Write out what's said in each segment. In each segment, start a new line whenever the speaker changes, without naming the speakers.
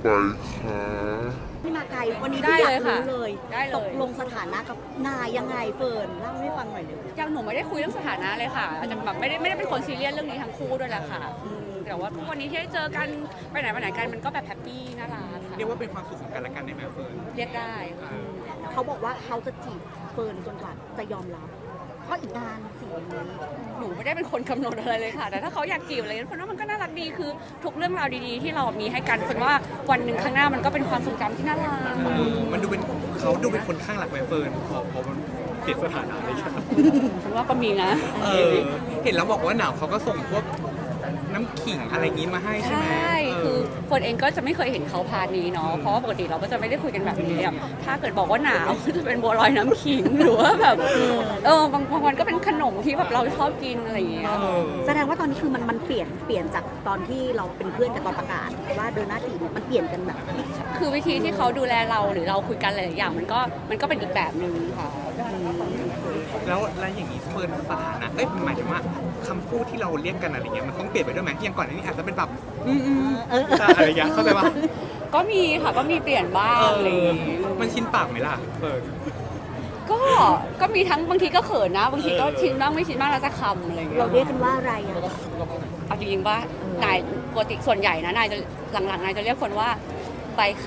ไปค่ะ
ที่มาไกลวันนี้
ได้
ที่อยา
เลย
ก
ค่ะ
รู้เลย
ได้เลย
ตกลงสถานะกับนายยังไงเฟิร์นเล่าให้ฟังหน่อยเลย
ยังหนูไม่ได้คุยเรื่องสถานะเลยค่ะอาจจะแบบไม่ได้เป็นคนซีเรียสเรื่องนี้ทั้งคู่ด้วยแหละค่ะแต่ว่าทุกวันนี้ที่ได้เจอกันไปไหนมาไหนกันมันก็แบบแฮปปี้น่ารักค่ะ
เรียกว่าเป็นความสุขของกันและกันได้ไหมเฟิร์น
เรียกได้ค่ะ
เขาบอกว่าเขาจะจีบเฟิร์นจนกว่าจะยอมรับเพราะอีกนานสิอย่างนี้
หนูไม่ได้เป็นคนกำหนดอะไรเลยค่ะแต่ถ้าเขาอยากจีบอะไรคนว่ามันก็น่ารักดีคือทุกเรื่องราวดีๆที่เรามีให้กันคนว่าวันหนึ่งข้างหน้ามันก็เป็นความทรงจำที่น่ารัก
มันดูเป็นเขาดูเป็นคนข้างหลักไหมเฟิร์นพอมันเปลี่ยนสถานะอะไรอย่างเงี้ย
ฉันว่าก็มีนะ
เห็นแล้วบอกว่าหนาวเขาก็ส่งพวกน้ำขิงอะไรอย่างงี้มาให้ใช่
ใช
ไหม่
คือคนเองก็จะไม่เคยเห็นเขาพาร์ทนี้เนาะ เพราะว่าปกติเราก็จะไม่ได้คุยกันแบบนี้อะถ้าเกิดบอกว่าหนาว จะเป็นบัวลอยน้ำขิงหรือว่าแบบบางวันก็เป็นขนมที่แบบเราชอบกินอะไรอย่างเงี้ย
แสดงว่าตอนนี้คือมันเปลี่ยนจากตอนที่เราเป็นเพื่อนกันตอนประกาศว่าเดินหน้าจีบมันเปลี่ยนกันแบบ
คือวิธีที่เขาดูแลเราหรือเราคุยกันหลายๆอย่างมันก็เป็นอีกแบบหนึ่งค่ะ
แล้วอย่างนี้เฟิร์นสถานะหมายถึงว่าคำพูดที่เราเรียกกันอะไรเงี้ยมันต้องเปลี่ยนไปด้วยไหมอย่างก่อนอันนี้อาจจะเป็นแบบอะไรอย่างเงี้ยเข้าใจปะ
ก็มีค่ะก็มีเปลี่ยนบ้างอะไรอย่างงี้
มันชินปากไหมล่ะเฟิร์น
ก็มีทั้งบางทีก็เขินนะ บางทีก็ชินบ้างไม่ชินบ้างแล้วจะคำอะไรอย่างเงี้ย
เราเรียกกันว่าอะไรอ่ะ
เอาจริงๆว่านายปกติส่วนใหญ่นะนายจะหลังๆนายจะเรียกคนว่าใบคะ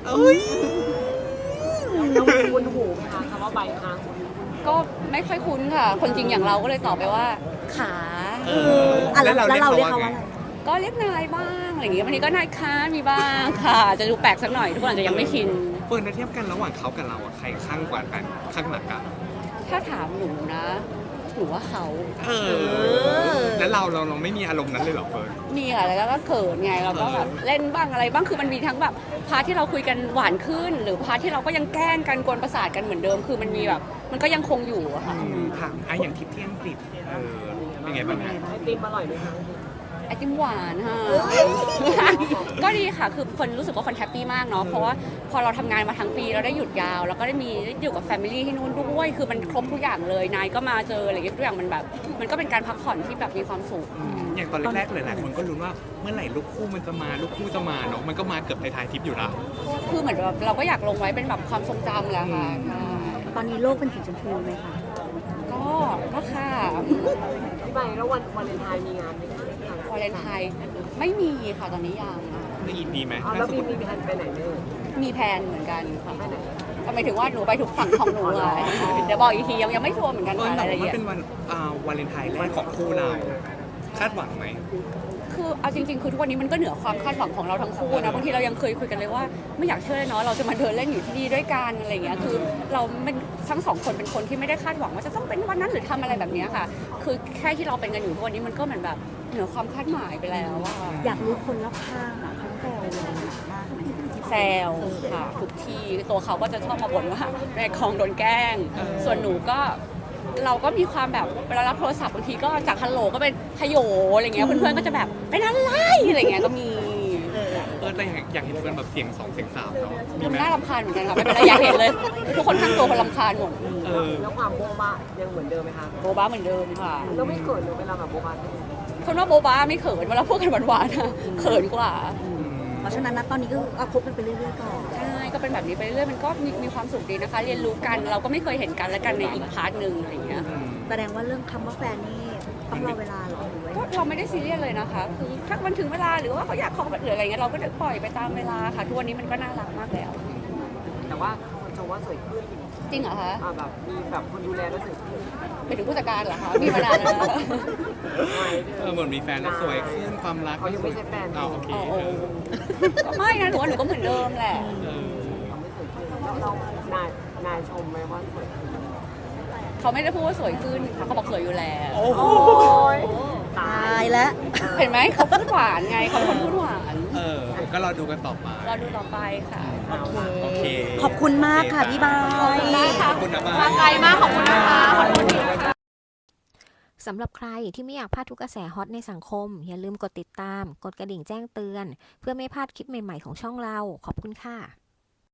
เราคุ้นหูไหมคะคำว่าใบคะ
ก็ไม่ค่อยคุ้นค่ะ คนจริงอย่างเราก็เลยตอบไปว่าขา
แล้วเราเรียกเขาว่าอะไร
ก็เรียกนายบ้างอะไรอย่างเงี้ยบางทีก็นายค้ามีบ้างค่ะ จะดูแปลกสักหน่อยทุกคนอาจจะยังไม่ชิน
เฟิร์นเทียบกันระหว่างเขากับเราอะใครข้างกว่ากันข้างหลักกัน
ถ้าถามหนูนะหนูว่าเขา
แล้วเราไม่มีอารมณ์นั้นเลยเหรอเฟิร์น
มีค่ะแล้วก็เขินไงเราก็แบบเล่นบ้างอะไรบ้างคือมันมีทั้งแบบพาร์ทที่เราคุยกันหวานขึ้น หรือพาร์ทที่เราก็ยังแกล้งกันกวนประสาทกันเหมือนเดิม คือมันมีแบบมันก็ยังคงอยู่อะค่ะ
ค่ะอย่างทริปที่อังกฤษเป็นไงบ้างฮะ
ไอติมอร่อยไหมคะ
ไอติมหวานค่ะ ก็ดีค่ะ คือคนรู้สึกว่าคนแฮปปี้มากเนาะ เพราะว่าพอเราทำงานมาทั้งปีเราได้หยุดยาว แล้วก็ได้อยู่กับแฟมิลี่ที่นู่นด้วย คือมันครบทุกอย่างเลย นายก็มาเจออะไรอย่างเงี้ยทุกอย่างมันแบบ มันก็เป็นการพักผ่อนที่แบบมีความสุข
อย่างตอนแรกๆหลายๆคนก็ลุ้นว่าเมื่อไหร่ลูกคู่มันจะมาลูกคู่จะมาเนาะมันก็มาเกือบท้ายๆทริปอยู่นะ
คือเหมือนแบบเราก็อยากลงไว้เป็นแบบความทรงจำแหละค่ะใช่
ตอนนี้โลกเป็นสีชมพูไหมคะ
ก็ค่ะ
พี่ใบแล้ววันวาเลนไทน์มีงานไหมคะ
วาเลนไทน์ไม่มีค่ะตอนนี้ยังอะ
ได้ยินดีไหม
แล้วมีแผนไปไหนไหม
มีแพลนเหมือนกันค่ะหมายถึงว่าหนูไปทุกฝั่งของหนูอะเดี๋ยวบอกอีกทียังไม่ชัวร์เหมือนกัน
เออ
ค่ะ
แต่
รายละ
ว่ามัน
เอียด
เป็นวันวาเลนไทน์แรกของคู่เราคาดหวังไหม
คือเอาจริงๆคือทุกวันนี้มันก็เหนือความคาดหวังของเราทั้งคู่นะบางทีเรายังเคยคุยกันเลยว่าไม่อยากเชื่อเลยเนาะเราจะมาเดินเล่นอยู่ที่นี่ด้วยกันอะไรอย่างเงี้ยคือเราเป็นทั้งสองคนเป็นคนที่ไม่ได้คาดหวังว่าจะต้องเป็นวันนั้นหรือทำอะไรแบบเนี้ยค่ะ คือแค่ที่เราเป็นกันอยู่ทุกวันนี้มันก็เหมือนแบบเหนือความคาดหมายไปแล้วอะ
อยากรู้คนรอบข้างอ่ะเขาแซวเรามากไหม
แซวค่ะทุกทีตัวเขาก็จะชอบมาบ่นว่าในคลองโดนแกล้ง ส่วนหนูก็เราก็มีความแบบเวลารับโทรศัพท์บางทีก็จากฮัลโหลก็เป็นฮโยอะไรเงี้ยเพื่อนๆก็จะแบบเป็นอะไรอะไรเงี้ยก็มี
แต่อยากเห็นเฟิร์นแบบเสียง2เสียง3เนาะมีไหม
น่ารำคาญเหมือนกันค่ะไม่เป็นไรอยากเห็นเลย ทุกคนทั้งตัวคนรำคาญหมด
แล้วความโบ๊ะบะยังเหมือนเดิมไหมคะ
โบบ้าเหมือนเดิมค่ะ
แล้วไม่เกิดเลยเวลาแบบโบ๊ะบะ
คนว่าโบบ้าไม่เขินเวลาพูดกันหวานๆอะเขินกว่า
เพราะฉะนั้นนะตอนนี้ก็เอาคบกันไปเรื่อยๆก่อน
ใช่ก็เป็นแบบนี้ไปเรื่อยๆมันก็มีความสุขดีนะคะ เรียนรู้กันเราก็ไม่เคยเห็นกันและกันในอีกพาร์ทหนึ่งอะไรอย่างเงี้ย
แสดงว่าเรื่องคำว่าแฟนนี่ต้องรอเวลาเหรอหรือว่า
ก็เราไม่ได้ซีเรียสเลยนะคะ คือถ้ามันถึงเวลาหรือว่าเขาอยากขอหรืออะไรเงี้ยเราก็ปล่อยไปตามเวลาค่ะ ทุกวันนี้มันก็น่ารักมากแล้ว
แต่ว่าคนชมว่าสวยขึ้น
จริงเหรอคะ
แบบมีแบบคนดูแลแล้วสวยขึ้น
ไปถึงผู้จัดการเหรอคะ มีมานานแล้วนะ
เหมือนมีแฟนแล้วสวยขึ้นความรัก
เขายังไม่ใช่แฟน
โอเค
ก็ไม่นะหนูว่าหนูก็เหมือนเดิมแหละ
เขาไม่สวยขึ้นแล้วเรานายชมไหมว่าสวยขึ้น
เขาไม่ได้พูดว่าสวยขึ้นค่ะเขาบอกสวยอยู่แล้ว
โอ้ย
ตายแล้ว
เห็นไหมเขาพูดหวานไงเขาเป็นคนพูดหวาน
ก็รอดูกันต่อไป
รอดูต่อไปค่ะ
โอเค
ขอบคุณมากค่ะพี่บาย
ได้ค่ะ
ขอบคุณนะ
มาไกลมากขอบคุณนะคะขอบคุณที่
สำหรับใครที่ไม่อยากพลาดทุกกระแสฮอตในสังคม อย่าลืมกดติดตาม กดกระดิ่งแจ้งเตือน เพื่อไม่พลาดคลิปใหม่ๆของช่องเรา ขอบคุณค่ะ